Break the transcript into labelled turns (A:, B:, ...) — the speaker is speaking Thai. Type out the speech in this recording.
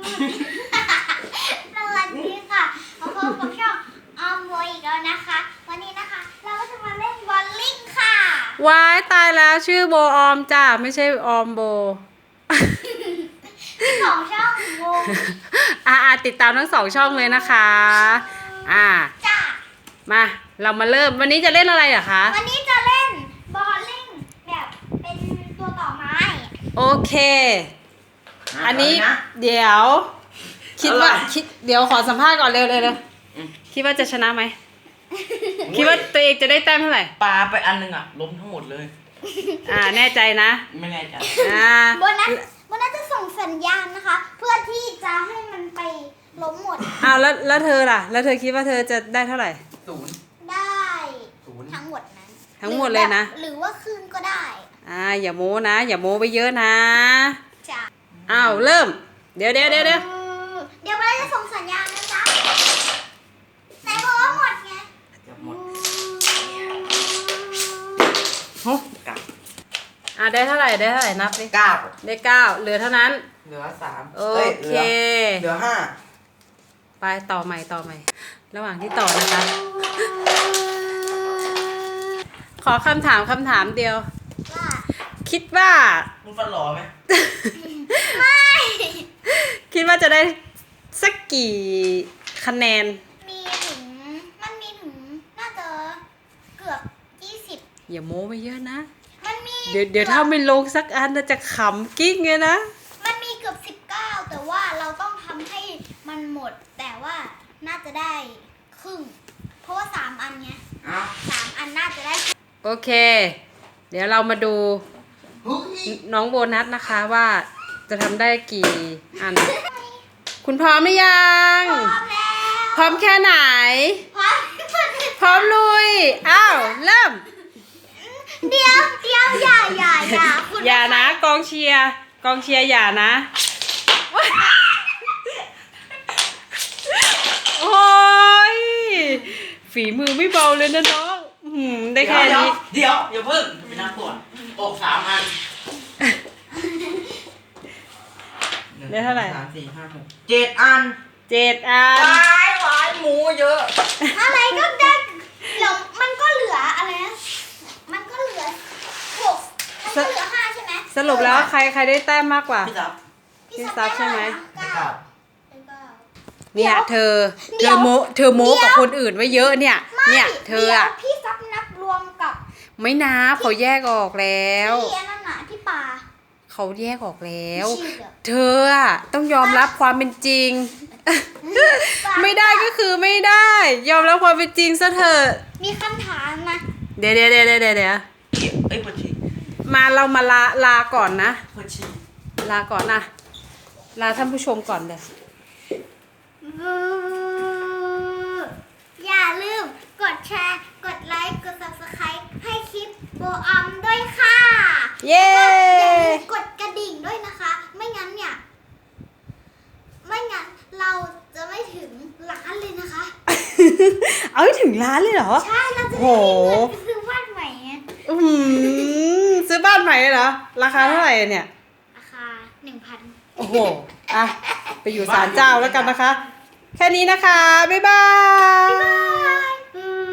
A: สวัสดีค่ะมาพบกับช่องออมโวอีกแล้วนะคะ วันนี้นะคะเราก็จะมาเล่นบอลลิงค่ะ
B: ว้ายตายแล้วชื่อโบออมจ้าไม่ใช่ออมโบ
A: ของช่องโว
B: ติดตามทั้ง2 ช่องเลยนะคะ
A: จ้า
B: มาเรามาเริ่มวันนี้จะเล่นอะไรอะคะ
A: วันนี้จะเล่นบอลลิงแบบเป็นตัวต่อไม้
B: โอเค อันนี้เดี๋ยวเดี๋ยวขอสัมภาษณ์ก่อนเร็วคิดว่าจะชนะไหมคิดว่าตัวเองจะได้แต้มเท่าไหร่
C: ปลาไปอันนึงอ่ะล้มทั้งหมดเลย
B: แน่ใจนะ
C: ไม่แน่ใจ
A: โบนัสจะส่งสัญญาณนะคะ เพื่อที่จะให้มันไปล้มหมด
B: แล้วเธอล่ะแล้วเธอคิดว่าเธอจะได้เท่าไหร่
C: 0
A: ได้
C: 0
A: ทั้งหมดนั้น
B: ทั้งหมดเลยนะ
A: หรือว่าครึ่งก็ได้
B: อย่าโม้นะอย่าโม้ไปเยอะนะ
A: จ้ะ
B: เริ่มเดี๋ยว
A: เดี๋ยวโบนัสจะส่งสัญญาณนะจ๊ะไหนบอกว่าหมดไง
C: จะหมด กับ
B: ได้เท่าไหร่นับดิ
C: 9
B: ได้9เหลือเท่านั้น
C: เหลือ3
B: โอเค
C: เหลือ
B: ไปต่อใหม่ระหว่างที่ต่อนะคะ ขอคำถามเดียว
A: ว่า
B: คิดว่า
C: 5มึงฟันหล่อไหม
A: ไม่
B: คิดว่าจะได้สักกี่คะแนน
A: มันมีถึงน่าจะเกือบ20
B: อย่าโม้ไปเยอะนะ
A: มันมี
B: เดี๋ยวถ้าไม่ลงสักอันน่าจะขำกิ๊กไงนะ
A: มันมีเกือบ19แต่ว่าเราต้องทำให้มันหมด แต่ว่าน่าจะได้ครึ่ง เพราะว่า3อันเนี้ย3อันน่าจะได้
B: โอเค เดี๋ยวเรามาดูน้องโบนัสนะคะว่าจะทำได้กี่อัน คุณพร้อมหรือยัง
A: พร้อมแล้ว
B: พร้อมแค่ไหน
A: พร้อม
B: พร้อมลุย เริ่ม
A: เดี๋ยวอย่าคุณ
B: อย่านะกองเชียร์อย่านะ โอ้ยฝีมือไม่เบาเลยนะน้องได้แค่นี้
C: เดี๋ยวอย่าเพิ่งไม่น่าปวดอก3 อัน
B: ได้เท่าไหร่
C: 3 4 5 6 7 อัน
B: 7 อัน
C: วายหมูเยอะ
A: อะไรก็ได้เดี๋ยวมันก็เหลืออะไรนะมันก็เหลือ6มันก็เหลือ5ใช่ไหม
B: สรุปแล้วใครได้แต้มมากกว่า
C: พี่จับ
B: พี่ซับใช่ไหม
C: ไม่กลับ
B: เนี่ยเธอโม้กับคนอื่นไว้เยอะเนี่ยเธอ
A: ดี๋ยว
B: อะ
A: พี่ซับนับรวมกับ
B: ไม่นับเขาแยกออกแล้ว
A: ที่อันนั้นน่ะที่ปลา
B: เขาแยกออกแล้ว
A: ชื่อเหรอ
B: เธออะต้องยอมรับความเป็นจริง ไม่ได้ก็คือไม่ได้ ยอมรับความเป็นจริงซะเถอะ
A: มีคำถามนะ
B: เดี๋ยว
C: ปวดฉี่
B: เรามาลาก่อนนะ
C: ปวดฉี่
B: ลาก่อนนะลาท่านผู้ชมก่อนเลย
A: อย่าลืมกดแชร์กดไลค์กด subscribe ให้คลิปโบออมด้วยค่ะ
B: เย้
A: อย่าลืมกดกระดิ่งด้วยนะคะ ไม่งั้นเราจะไม่ถึงล้านเลยนะคะ
B: เอาให้ถึงล้านเลยเหรอ
A: ใช่เราจะ
B: โอ้
A: ได้
B: โห
A: เงินไปซื้อบ้านใหม่ไง
B: ซื้อบ้านใหม่เหรอ ราคาเท่าไหร่เนี่ย
A: ราคา 1,000
B: โอ้โห ไปอยู่ศาลเจ้าแล้วกันนะคะ แค่นี้นะคะ บ๊ายบาย
A: บ๊ายบาย